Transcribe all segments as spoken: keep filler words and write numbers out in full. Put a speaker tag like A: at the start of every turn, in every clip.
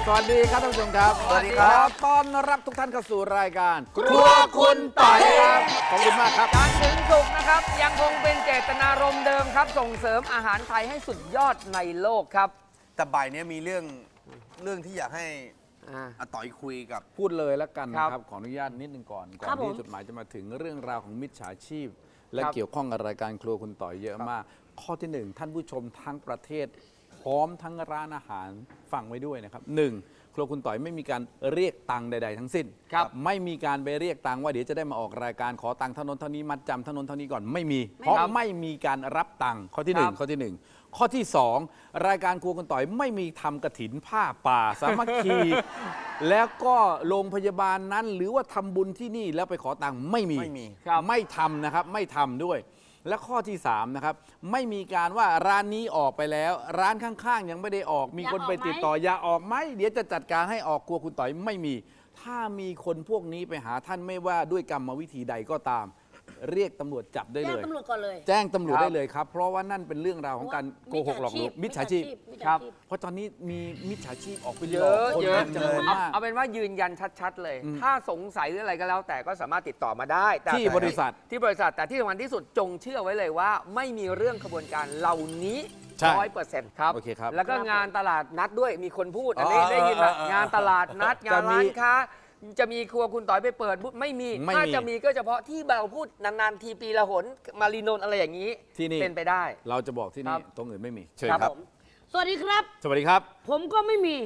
A: สวัสดีครับท่านผู้ชมครับ
B: สวัสดีครับ
A: ต้อนรับทุกท่านเข้าสู่รายการ
B: ครัวคุณต่อยครับ
A: ขอบคุณมากครับ
C: จันทร์ถึงศุกร์นะครับยังคงเป็นเจตนารมณ์เดิมครับ ส่งเสริมอาหารไทยให้สุดยอดในโลกครับ
B: แต่บ่ายนี้มีเรื่องเรื่องที่อยากให้
C: อ่า
B: อาต่อยคุยกับ
A: พูดเลยแล้วกัน
C: ครับ
A: นะครับขออนุญาตนิดนึงก่อนก่อ
C: ครั
A: น
C: บผม
A: ที่จดหมายจะมาถึงเรื่องราวของมิจฉาชีพ และ
C: ครับ
A: เกี่ยวข้องกับรายการครัวคุณต่อยเยอะมาก ข้อที่หนึ่งท่านผู้ชมทั้งประเทศ พร้อมทั้งร้านอาหารฟังไว้ด้วยนะครับหนึ่งครัวคุณต่อยไม่มีการเรียกตังค์ใด ๆ ทั้งสิ้น
C: ครับ
A: ไม่มีการไปเรียกตังค์ว่าเดี๋ยวจะได้มาออกรายการขอตังค์เท่านั้นเท่านี้มัดจำเท่านั้นเท่านี้ก่อนไม่มี เพราะไม่มีการรับตังค์ข้อที่หนึ่ง
C: ครับ
A: ข้อที่หนึ่งข้อที่สองรายการครัวคุณต่อยไม่มีทำกระถินผ้าป่าสามัคคี แล้วก็โรงพยาบาลนั้น หรือว่าทำบุญที่นี่แล้วไปขอตังค์ไม่มี
B: ไม่มี
C: ครับ
A: ไม่ทำนะครับไม่ทำด้วย และข้อที่สามนะครับไม่มีการว่าร้านนี้ออกไปแล้ว ร้านข้างๆ ยังไม่ได้ออก มีคนไปติดต่ออย่าออกไหมเดี๋ยวจะจัดการให้ออกครัวคุณต่อยไม่มี ถ้ามีคนพวกนี้ไปหาท่านไม่ว่าด้วยกรรมวิธีใดก็ตาม เรียกตำรวจจับได้
D: แจ้
A: เล
D: ง
A: ย
D: ตำรวจก่อนเลย
A: แจ้งตำรวจ
C: ครับ
A: ได้เลยครับ เพราะว่านั่นเป็นเรื่องราวของการโกหกหลอกลวงมิจฉาชีพ
D: มิจฉา
C: ครับ
D: ชีพ
A: เพราะตอนนี้มีมิจฉาชีพออกไป
C: เย
A: หลอก
C: อะ
A: คน
C: เยอะ
A: เป็นจำนวน
C: เอา
A: มาก
C: เอาเป็นว่ายืนยันชัดๆเลย
A: อืม
C: ถ้าสงสัยหรืออะไรก็แล้ว แต่ก็สามารถติดต่อมาได้แต่
A: ที่บริษัท
C: ที่บริษัทแต่ที่สำคัญที่สุดจงเชื่อไว้เลยว่า ไม่มีเรื่องขบวนการเหล่านี้
A: ใช่
C: ร้อยเปอร์เซ็นต์ครับ
A: โอเคครับ
C: แล้วก็งานตลาดนัดด้วยมีคนพูดอันนี้
B: อ๋อ
C: ได้ยินละ
B: เออเออ
C: งานตลาดนัดงาน
A: จะมี
C: ร้านค้า จะมีครัวคุณต่อยไปเปิดบูธไม่มี
A: ไม่
C: ถ้า
A: มี
C: จะมีก็เฉพาะที่เราพูดนานๆทีปีละหนมารีนนท์อะไรอย่างนี้
A: ที่นี่
C: เป็นไปได้
A: เราจะบอกที่
C: ครั
A: นี่
C: บ
A: ตรงอื่นไม่มีเชิญ
C: ครับ
A: ครับ
C: ผม
D: สวัสดีครับ
A: สวัสดีครับ
D: ผมก็ไม่มี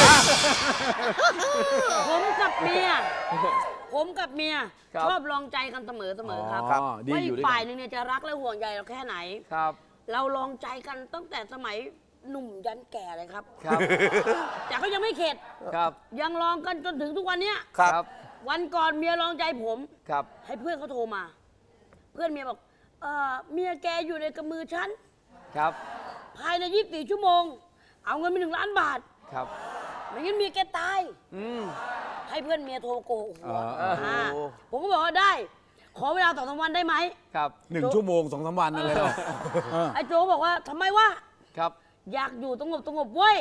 D: ผมกับเมีย ผมกับเมีย
C: ครับ
D: ชอบลองใจกันเสมอเสมอครับ
A: อ๋อดี
D: ว่า
A: อ
D: อี
A: ยู่
D: ก
A: ด้วย
D: ฝ่าย
A: กัน
D: หนึ่งเนี่ยจะรักและห่วงใยเราแค่ไหน
C: ครับ
D: เราลองใจกันตั้งแต่สมัยหนุ่มยันแก่เลยครับ
C: ครับ
D: แต่ก็ยังไม่เข็ด
C: ครับ
D: ยังลองกันจนถึงทุกวันเนี้ย
B: ครับ
D: วันก่อนเมียลองใจผม
C: ครับ
D: ให้เพื่อนเขาโทรมา เพื่อนเมียบอกเออเมียแกอยู่ในกำมือฉัน
C: ครับ
D: ภายในยี่สิบสี่ชั่วโมง เอาเงินไปหนึ่งล้านบาท
C: ครับ
D: ไม่งั้นเมียแกตาย
C: อืม
D: ให้เพื่อนเมียโทรโกหกหัว
A: อ๋อ
D: าผมก็บอกว่าได้ ขอเวลาสองสามวันได้ไหม
C: ครับ
A: หนึ่งชั่วโมงสองสามวันอะไรหรอเออ
D: ไอ้โจก็บอกว่าทำไมวะ
C: ครับ
D: อยากอยู่สงบสงบเว้ย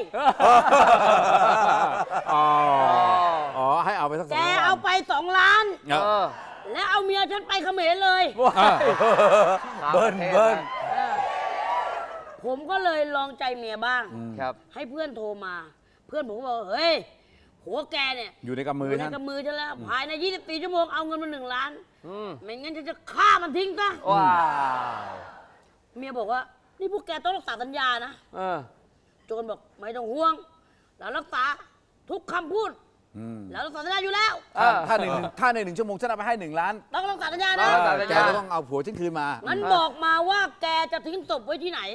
A: อ๋ออ๋อ ให้เอาไปสักสอง
D: แก
A: วัน
D: เอาไปสองล้าน
A: เออ
C: เออ
D: และเอาเมียฉันไปเขมรเลย
A: อ่ะ
B: เบิ้ลเบิ้ล
D: เออผมก็เลยลองใจเมียบ้าง
C: ครับ
D: ให้เพื่อนโทรมา เพื่อนผมก็บอกเฮ้ยหัวแกเนี่ย
A: อยู่ในกำมื
D: อ
A: อยู่
D: ใน
A: ท่าน
D: กำมือฉันแล้ว ภายในยี่สิบสี่ชั่วโมงเอาเงินมาหนึ่งล้าน
C: อืม
D: ไม่งั้นฉันจะฆ่ามันทิ้งซะ
C: ว้าว
D: เมียบอกว่า นี่พวกแกต้องรักษาสัญญานะ
C: เออ
D: โจรบอกไม่ต้องห่วง เรารักษาทุกคำพูด
A: อืม
D: เรารักษาสัญญาอยู่แล้ว
C: เออ
A: ถ้าหนึ่งถ้าในหนึ่งชั่วโมงฉันเอาไปให้หนึ่งล้าน
D: ต้องรักษาสัญญา
C: เอ
D: นะ
C: อ สัญญา
A: แกก็ต้องเอาผัวฉันคืนมา
D: งั้นบอกมาว่าแกจะทิ้งศพไว้ที่ไหน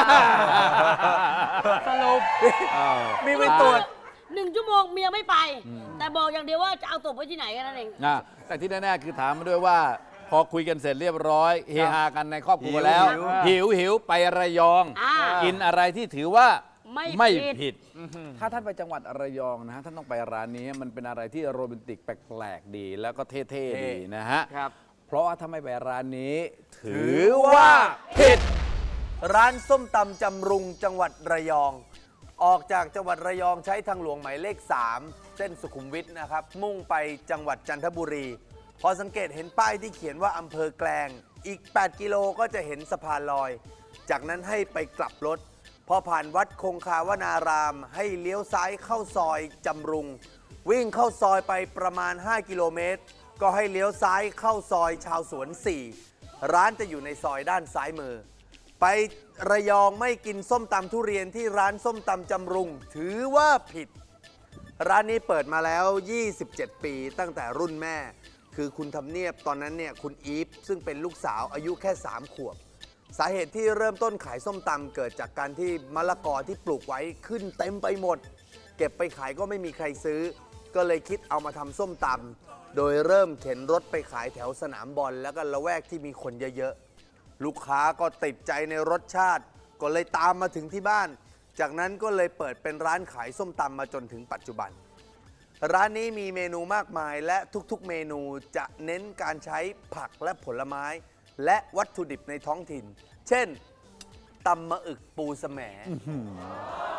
C: สรุป
B: มีไปตรวจ
D: หนึ่งชั่วโมงเมียไม่ไป แต่บอกอย่างเดียวว่าจะเอาศพไว้ที่ไหนแค่นั้นเอง
A: นะแต่ที่แน่ๆคือถามมาด้วยว่า พอคุยกันเสร็จเรียบร้อยเฮฮากันในครอบครัวแล้ว
B: หิว
A: หิวหิวไประยอง
D: อ่า
A: กินอะไรที่ถือว่า
D: ไม่ผิด
A: ผิด ถ้าท่านไปจังหวัดระยองนะฮะท่านต้องไปร้านนี้มันเป็นอะไรที่โรแมนติกแปลกๆดี แล้วก็เท่ๆดีนะฮะ
C: ครับ
A: เพราะว่าถ้าไม่ไปร้านนี้ ถือว่าผิด
B: ร้านส้มตำจำรุงจังหวัดระยอง ออกจากจังหวัดระยองใช้ทางหลวงหมายเลข สาม เส้นสุขุมวิทนะครับ มุ่งไปจังหวัดจันทบุรี พอสังเกตเห็นป้ายที่เขียนว่าอำเภอแกลง อีก แปด กิโลก็จะเห็นสะพานลอย จากนั้นให้ไปกลับรถ พอผ่านวัดคงคาวนาราม ให้เลี้ยวซ้ายเข้าซอยจำรุง วิ่งเข้าซอยไปประมาณ ห้า กิโลเมตร ก็ให้เลี้ยวซ้ายเข้าซอยชาวสวน สี่ ร้านจะอยู่ในซอยด้านซ้ายมือ ไประยองไม่กินส้มตำทุเรียนที่ร้านส้มตำจำรุง ถือว่าผิด ร้านนี้เปิดมาแล้ว ยี่สิบเจ็ด ปีตั้งแต่รุ่นแม่ คือคุณทำเนียบตอนนั้นเนี่ยคุณอีฟซึ่งเป็นลูกสาวอายุแค่ สาม ขวบ สาเหตุที่เริ่มต้นขายส้มตำเกิดจากการที่มะละกอที่ปลูกไว้ขึ้นเต็มไปหมด เก็บไปขายก็ไม่มีใครซื้อ ก็เลยคิดเอามาทำส้มตำโดยเริ่มเข็นรถไปขายแถวสนามบอลแล้วก็ละแวกที่มีคนเยอะๆ ลูกค้าก็ติดใจในรสชาติ ก็เลยตามมาถึงที่บ้าน จากนั้นก็เลยเปิดเป็นร้านขายส้มตำมาจนถึงปัจจุบัน ร้านนี้มีเมนูมากมายและทุกๆเมนูจะเน้นการใช้ผักและผลไม้ และวัตถุดิบในท้องถิ่น เช่นตำมะอึกปูแสม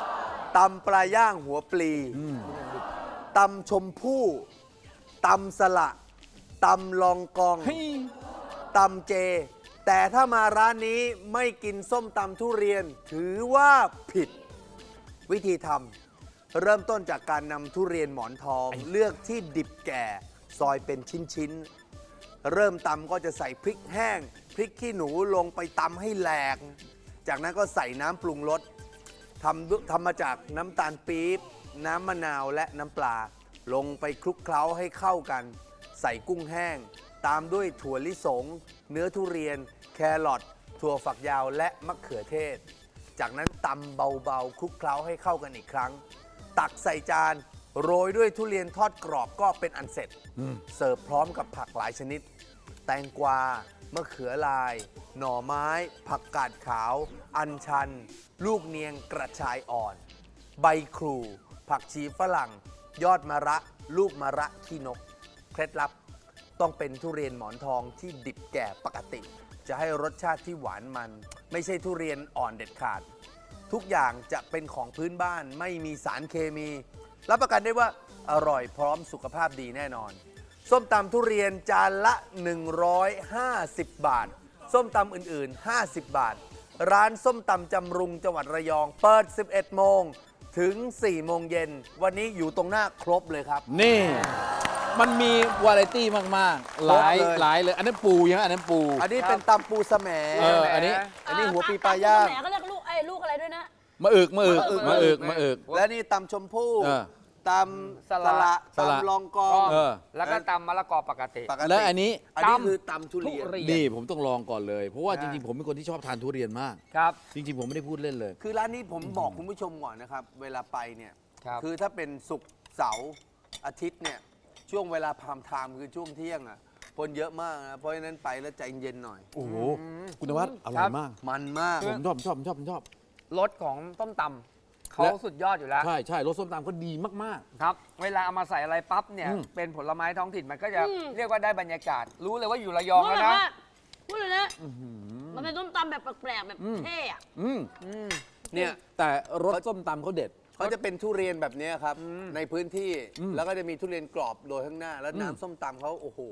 B: ตำปลาย่างหัวปลีตำชมพู่ตำสละตำลองกอง
A: เฮ้ย
B: ตำเจ แต่ถ้ามาร้านนี้ไม่กินส้มตำทุเรียน ถือว่าผิดวิธีทำเริ่มต้นจากการนำทุเรียนหมอนทอง เลือกที่ดิบแก่ซอยเป็นชิ้นๆ เริ่มตำก็จะใส่พริกแห้ง พริกขี้หนูลงไปตำให้แหลก จากนั้นก็ใส่น้ำปรุงรสทำด้วยทำมาจากน้ำตาลปี๊บน้ำมะนาวและน้ำปลา ลงไปคลุกเคล้าให้เข้ากัน ใส่กุ้งแห้ง ตามด้วยถั่วลิสง เนื้อทุเรียน แครอทถั่วฝักยาวและมะเขือเทศ จากนั้นตำเบาๆคลุกเคล้าให้เข้ากันอีกครั้ง ตักใส่จานโรยด้วยทุเรียนทอดกรอบก็เป็นอันเสร็จ เสิร์ฟพร้อมกับผักหลายชนิด แตงกวามะเขือลาย หน่อไม้ ผักกาดขาว อัญชัน ลูกเนียงกระชายอ่อน ใบครู ผักชีฝรั่ง ยอดมะระ ลูกมะระขี้นก เคล็ดลับต้องเป็นทุเรียนหมอนทองที่ดิบแก่ปกติ จะให้รสชาติที่หวานมัน ไม่ใช่ทุเรียนอ่อนเด็ดขาด ทุกอย่างจะเป็นของพื้นบ้านไม่มีสารเคมี รับประกันได้ว่าอร่อยพร้อมสุขภาพดีแน่นอน ส้มตำทุเรียนจานละ หนึ่งร้อยห้าสิบ บาท ส้มตำอื่นๆ ห้าสิบ บาท ร้านส้มตำจำรุงจังหวัดระยอง เปิด สิบเอ็ด โมงถึง สี่ โมงเย็น วันนี้อยู่ตรงหน้าครบเลยครับ
A: นี่ มันมีวาไรตี้มาก ๆ หลาย
B: ครบเลย
A: หลายเลย อันนั้นปูยังอันนั้นปู
B: อันนี้เป็นตำปูสะแหม
A: เอออันนี้
B: อันนี้หัวปีปลาย่าง
D: แหมเขาเรียกลูกไอ้ลูกอะไรด้วยนะ
A: มะอึกมะอึกมะอึกมะอึก
B: และนี่ตำชมพู่
A: เออ
B: ตำสละ
A: สละ
B: ตำลองกอง
A: เออ
C: แล้วก็ตำมะละกอปกติ
B: ปกติ
A: และอันนี้
B: อันนี้คือตำทุเรียน
C: ทุเรีย
A: นี่ผมต้องลองก่อนเลย เพราะว่า
C: อ่า
A: จริง ๆ ผมเป็นคนที่ชอบทานทุเรียนมาก
C: ครับ
A: จริง ๆ ผมไม่ได้พูดเล่นเลย
B: คือร้านนี้ผมบอกคุณผู้ชมก่อนนะครับ เวลาไปเนี่ย
C: ครับ
B: อถ้าเป็นศุกร์เสาร์อาทิตย์เนี่ยช่วงเวลาพามไทม์คือช่วงเที่ยงอ่ะคนเยอะมากนะเพราะฉะนั้นไปแล้วใจเย็นหน่อย
A: โอ้โห คุณนวัดอร่
C: ครั
A: อย
C: บ
A: มาก
B: มันมาก
A: ผมชอบผมชอบผมชอบผมชอบ
C: รสของต้มตำเขา
A: และ
C: สุดยอดอยู่แล้ว
A: ใช่ใช่รสส้มตำก็ดีมาก
C: ครับ เวลาเอามาใส่อะไรปั๊บเนี่ย
A: อืม
C: เป็นผลไม้ท้องถิ่นมันก็จะ
D: อืม
C: เรียกว่าได้บรรยากาศ รู้เลยว่าอยู่ระยอง
D: พูด
C: แล้ว
D: เลย
C: นะ
D: ว่าพูดเลยนะมันเป็นส้มตำแบบแปลกๆแบบเท่อะ
A: ๆ อืม
C: อืม
B: เนี่ย
A: แต่รสส้มตำเขาเด็ด
B: เขาจะเป็นทุเรียนแบบเนี้ยครับ
C: อืม
B: ในพื้นที่
A: อืม
B: แล้วก็จะมีทุเรียนกรอบโรยข้างหน้า แล้ว
A: อืม
B: น้ำส้มตำเขาโอ้โห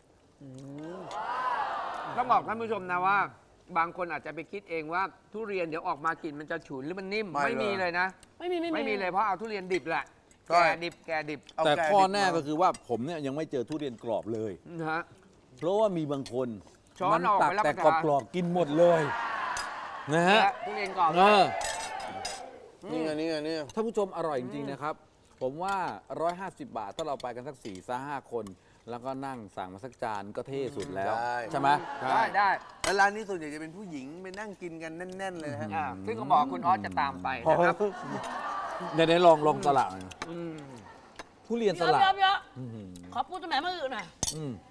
C: ต้องบอกท่านผู้ชมนะว่า บางคนอาจจะไปคิดเองว่าทุเรียนเดี๋ยวออกมากินมันจะฉุนหรือมันนิ่ม
B: ไม่
C: ไม่มี
B: เลย
C: เลยนะ
D: ไม่มีไม่
C: ไม่มีเลยเพราะเอาทุเรียนดิบแหละ
B: ใช่
C: แก่ดิบแก่ดิบ
B: เอา
A: แต่
B: ก่
A: ข้อ
B: ดิบ
A: แน่
B: มา
A: ก็คือว่าผมเนี่ยยังไม่เจอทุเรียนกรอบเลย
C: นะฮะ
A: เพราะว่ามีบางคน
C: ช้อน
A: มั
C: ออก
A: ตั
C: ไปรับ
A: แต่
C: ประ
A: กร
C: ทาน
A: อบๆกินหมดเลยนะฮะ
C: และทุเรียนกรอบ
A: เออ
B: นี่ไงนี่ไงนี่ไง
A: ท่านผู้ชมอร่อยจริง ๆ นะครับ ผมว่า หนึ่งร้อยห้าสิบ บาท ถ้าเราไปกันสัก4ี่ซห้าคน แล้วก็นั่งสั่งมาสักจานก็เท่สุดแล้ว
B: ได้
A: ใช่ไหม
C: ได้ได้
B: แล้วร้านนี้ส่วนใหญ่จะเป็นผู้หญิงไปนั่งกินกันแน่น ๆ เลยนะฮะ
C: อ่าซึ่งก็บอกคุณออสจะตามไปนะครับ
A: ในในๆลองลองสละหน่อย
C: อืม
A: ทุเรียน
D: เย
A: ส
D: อะ
A: ละ
D: เยอะเยอะ
A: อื้อหือ
D: ขอพูดสมัยมาอื่นหน่อย
A: อืม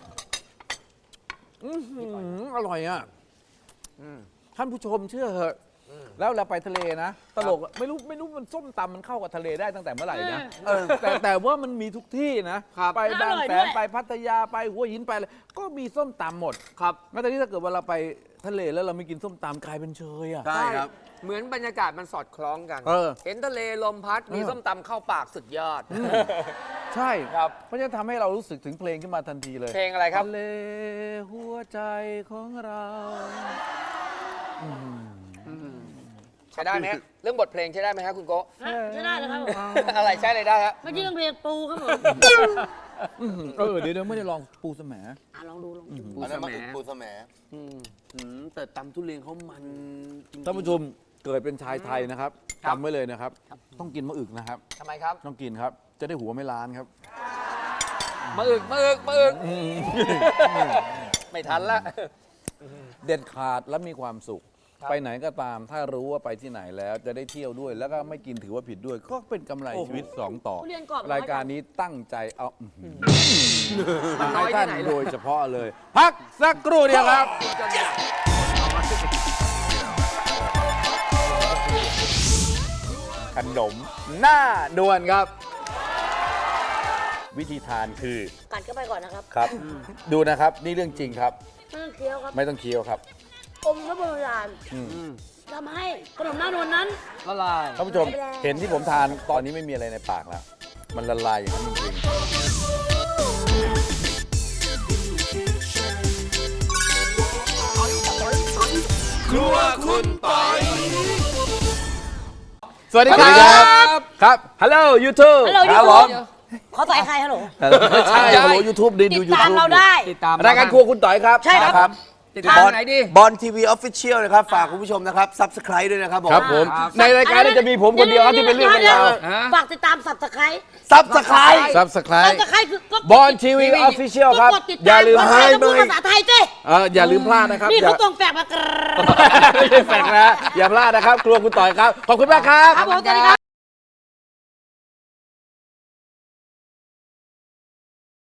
A: อื้อหืออร่อยอ่ะ
C: อืม
A: ท่านผู้ชมเชื่อเหอะ แล้วเราไปทะเลนะ ตลกอะไม่รู้ไม่รู้มันส้มตำมันเข้ากับทะเลได้ตั้งแต่เมื่อไหร่นะ
B: เออ
A: แต่แต่ว่ามันมีทุกที่นะ
C: ครับ
A: ไปบาง
D: อร่อย
A: แส
D: ด้วน ย
A: ไปพัทยาไปหัวหินไปอะไรก็มีส้มตำหมด
C: ครับ
A: แม้แต่ที่ถ้าเกิดว่าเราไปทะเลแล้วเราไม่กินส้มตำกลายเป็นเชยอ่ะ
B: ใช่ครับ
C: เหมือนบรรยากาศมันสอดคล้องกัน
A: เออ
C: เห็นทะเลลมพัด มี
A: เออ
C: ส้มตำเข้าปากสุดยอด
A: ใช่
C: ครับ
A: เพราะฉะนั้นทำให้เรารู้สึกถึงเพลงขึ้นมาทันทีเลย
C: เพลงอะไรครับ
A: ทะเลหัวใจของเรา
C: ใช้ได้ไหมฮะเรื่องบทเพลงใช้ได้ไหมฮะคุณโกะ
D: ฮะใช่ได้เลยครับผม
C: อะไรใช้เลยได้ฮะ
D: เมื่อกี้ต้องเพลงปูครับผม
A: อื้อหือเออเดี๋ยวเดี๋ยวไม่ได้ลองปูสม
D: อ่ะลองดูลองดู
C: ปู
B: อัน
C: ส
B: นั้น
C: แห
B: มาม อึกปูสะแหม
C: อืม
B: อืมแต่ตำทุเรียนเขามันจริงๆ
A: ท่านผู้ชมเกิดเป็นชายไทยนะครับ
C: ครับ
A: จำไว้เลยนะครับ ต้องกินมะอึกนะครับ
C: ทำไมครับ
A: ต้องกินครับ จะได้หัวไม่ล้านครับ
C: มาอึกมาอึกมาอึกไม่ทันละ
A: เด็ดขาดและมีความสุข
C: ครับ
A: ไปไหนก็ตามถ้ารู้ว่าไปที่ไหนแล้วจะได้เที่ยวด้วย แล้วก็ไม่กินถือว่าผิดด้วย ก็เป็นกำไรชีวิตสองต่อ
D: ทุเรียนกรอบ
A: รายการนี้ตั้งใจเอาอื้อหือ
C: มันน้
A: ให้
C: อยที่
A: ท่าน
C: ไหน
A: โด
C: เลย
A: ยเฉพาะเลย พักสักครู่เดียวครับ ขนมหน้าด่วนครับ วิธีทานคือ
D: กัดเข้าไปก่อนนะครับ
A: ครับ ดูนะครับ นี่เรื่องจริงครับ
D: ไม่ต้องเคี้ยวครับ
A: ไม่ต้องเคี้ยวครับ
D: อมแล้วโบราณ
A: อืม
D: แทำให้ขนมหน้านวลนั้น
C: ละลาย
A: ท่านผู้ชมเห็นที่ผมทานตอนนี้ไม่มีอะไรในปากแล้ว มันละลายอย่างนั้นจริงๆครัวคุณปอยสวัสดีครับครับ
C: ฮัลโหลยูทูบ
D: ฮัลโหล
B: ค
D: ยู
B: รับ
D: ทู
B: ผ
D: บ
B: ม
D: ขอต่อยใครฮัลโหล
A: ไม่ใช่ฮัลโหลยูทูบดีดู
D: ติด
A: ยู
D: ตาม
A: ทูบ
D: เราได้
C: ติดตาม
A: รายการครัวคุณต่อยครับ
D: ใช่ครับ
C: ติดตาม
B: บอล
C: ไหนดี
B: บอลทีวีออฟฟิเชียลนะครับ ฝากคุณผู้ชมนะครับ ซับสไครต์ด้วยนะครับผม
A: ครับผม
C: ครับ
A: ในรายการนี้จะมีผมคนเดียวครับที่เป็นเรื่องเป็นราว
C: ฮะ
D: ฝากติดตามสับสไคร
B: ซับสไครต์
A: ซับสไคร
D: สับ
A: ต์
D: สไครคือกด
A: บอลทีวีออฟฟิเชียลครับ
D: กดติด
A: อ
D: ตาม
A: ย่าลืม
D: ภาษาไทยต้องพูดภาษาไทยเจ้
A: เอออย่าลืมพลาดนะครับ
D: นี่
A: อย่า
D: เขาตรงแฝกมากร
A: ไม่ใช่แฟกนะอย่าพลาดนะครับ ครัวคุณต่อยครับ ขอบคุณมากครับ
D: ครับผมสวัสดีครับ